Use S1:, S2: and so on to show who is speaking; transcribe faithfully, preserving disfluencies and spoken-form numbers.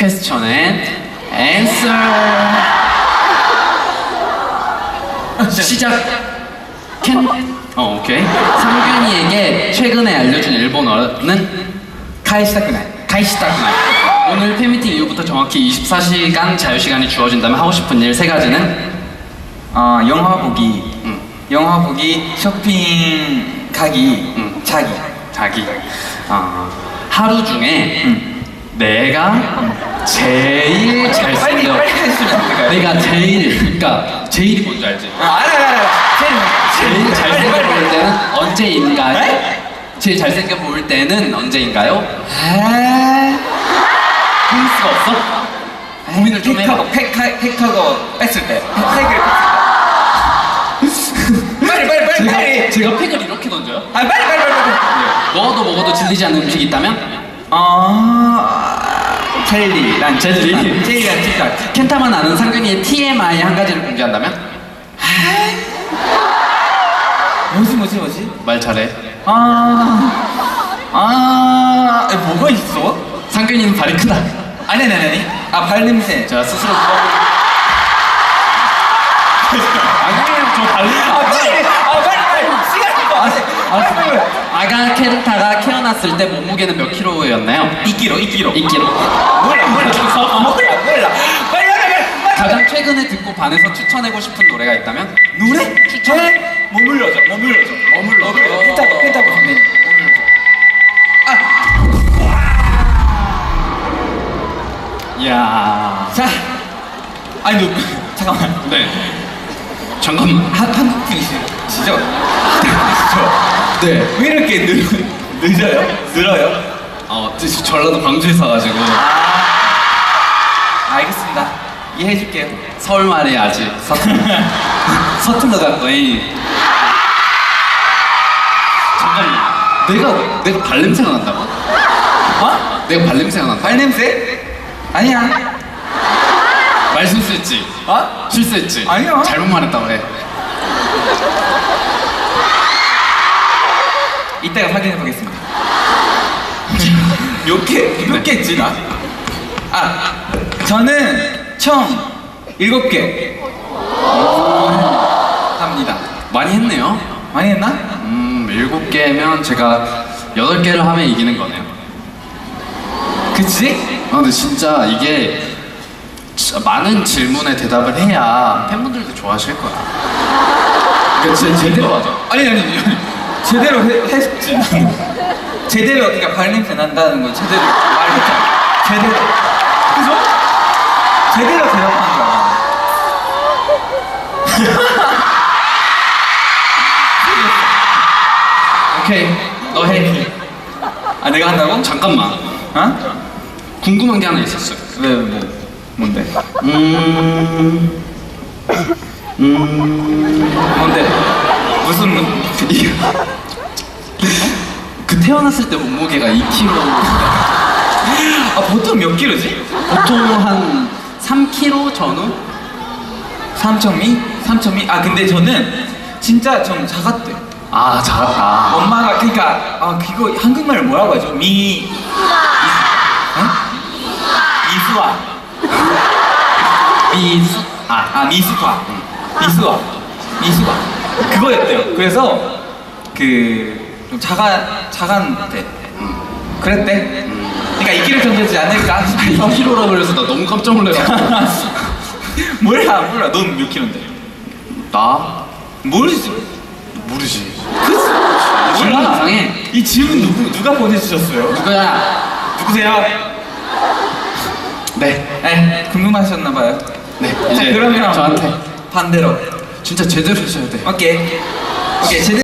S1: Question and answer. 시작. 캔. 어, 오케이. 상균이에게 최근에 알려준 일본어는
S2: 카이시타쿠나이.
S1: 가이시타쿠나이. 오늘 팬미팅 이후부터 정확히 이십사 시간 자유시간이 주어진다면 하고 싶은 일 세 가지는?
S2: 어, 영화 보기.
S1: 응.
S2: 영화 보기, 쇼핑 가기,
S1: 응.
S2: 자기.
S1: 자기. 어, 하루 중에
S2: 응.
S1: 내가 제일
S2: 빨리
S1: 잘생겨.
S2: 빨리 해주시면 안 될까요?
S1: 내가 제일, 그러니까 제일이 뭔지 알지?
S2: 아, 알아, 알아, 알아. 제일,
S1: 제일 잘생겨
S2: 빨리,
S1: 보일
S2: 빨리.
S1: 때는 언제인가요?
S2: 네?
S1: 제일 잘생겨 보일 때는 언제인가요?
S2: 아,
S1: 힌트가 없어? 고민을 좀 해봐.
S2: 팩하고 팩하, 팩하고 뺐을 때. 팩을 빨리, 빨리, 빨리,
S1: 제가,
S2: 빨리.
S1: 제가 팩을 이렇게 던져요?
S2: 아, 빨리, 빨리, 빨리, 빨리.
S1: 먹어도 먹어도 질리지 않는 음식이 있다면?
S2: 어, 젤리랑
S1: 젤리.
S2: 찌딱, 젤리랑 찌딱.
S1: 켄타만 아는 상균이의 티엠아이 한 가지를 공개한다면?
S2: 뭐지, 뭐지, 뭐지?
S1: 말 잘해.
S2: 아, 아, 에, 뭐가 있어?
S1: 상균이는 발이 크다.
S2: 아니, 아니, 아니. 아, 발냄새.
S1: 제가 스스로 누가 아니에요, 저 발냄새.
S2: 아, 빨리, 아, 빨리, 빨리. 시간이 더 안 돼.
S1: 알았어.
S2: 빨리, 빨리.
S1: 아가 켄타가 태어났을 때 몸무게는 몇 킬로였나요?
S2: 이 킬로, 이 킬로.
S1: 이 킬로.
S2: 몰라, 몰라, 몰라, 몰라. 빨리, 빨리, 빨리, 빨리.
S1: 가장 최근에 듣고 반해서 추천하고 싶은 노래가 있다면?
S2: 노래? 추천해? 머물러줘, 머물러줘.
S1: 머물러줘.
S2: 펜타고, 펜타고 선배님.
S1: 이야.
S2: 자, 아니, 너, 잠깐만.
S1: 네. 잠깐만.
S2: 한, 한국 분이시죠? 한국 분이시죠?
S1: 네.
S2: 왜 이렇게 늦, 늦어요? 늘어요?
S1: 어, 저- 전라도 광주에 사가지고
S2: 아, 알겠습니다. 이해해줄게요.
S1: 서울 말이 아직 서툴 서툴러 갔더니 잠깐만. 내가 내가 발냄새가 난다고?
S2: 어?
S1: 내가 발냄새가 난다.
S2: 발냄새? 아니야.
S1: 말 실수했지.
S2: 어?
S1: 실수했지.
S2: 아니요.
S1: 잘못 말했다고 해.
S2: 이따가 확인해 보겠습니다. 몇 개, 몇
S1: 네.
S2: 개 했지, 나? 아, 저는 총 일곱 개. 합니다.
S1: 많이 했네요.
S2: 많이 했나?
S1: 음, 일곱 개면 제가 여덟 개를 하면 이기는 거네요.
S2: 그치?
S1: 아, 근데 진짜 이게 진짜 많은 질문에 대답을 해야 팬분들도 좋아하실 거야. 그러니까 진짜 제대로 하자.
S2: 아니, 아니, 아니. 제대로 해, 했지. 제대로, 그러니까 발냄새 난다는 거 제대로 말했잖아. 제대로. 그죠? 제대로 대답한 거야.
S1: 오케이, 너 해.
S2: 아, 내가 한다고?
S1: 잠깐만.
S2: 어?
S1: 궁금한 게 하나 있었어요.
S2: 왜, 뭐, 뭔데?
S1: 음, 음,
S2: 뭔데? 무슨, 문-
S1: 그 태어났을 때 몸무게가 이 킬로그램.
S2: 아, 보통 몇 킬로지?
S1: 보통 한 삼 킬로그램 전후?
S2: 삼천미? 삼천미? 아, 근데 저는 진짜 좀 작았대.
S1: 아, 작았다.
S2: 엄마가, 그니까, 아, 그거 한국말로 뭐라고 하죠? 미, 미, 어? 미수아.
S1: 미수. 아,
S2: 아, 미수아. 미수아. 미수아. 그거였대요. 그래서, 그, 좀 작아, 작았대. 그랬대. 그니까 이 킬로 정도지 않을까?
S1: 이 킬로그램라 그래서 나 너무 깜짝 놀래가지고.
S2: 몰라, 몰라. 넌 몇 킬로인데?
S1: 나?
S2: 모르지.
S1: 모르지.
S2: 몰라.
S1: 몰라. 이상해.
S2: 이 질문 누구, 누가 보내주셨어요?
S1: 누구야?
S2: 누구세요?
S1: 네.
S2: 네, 궁금하셨나봐요.
S1: 네.
S2: 자,
S1: 이제
S2: 그러면
S1: 저한테
S2: 반대로.
S1: 진짜 제대로 해줘야 돼.
S2: 오케이. 오케이, 제대로.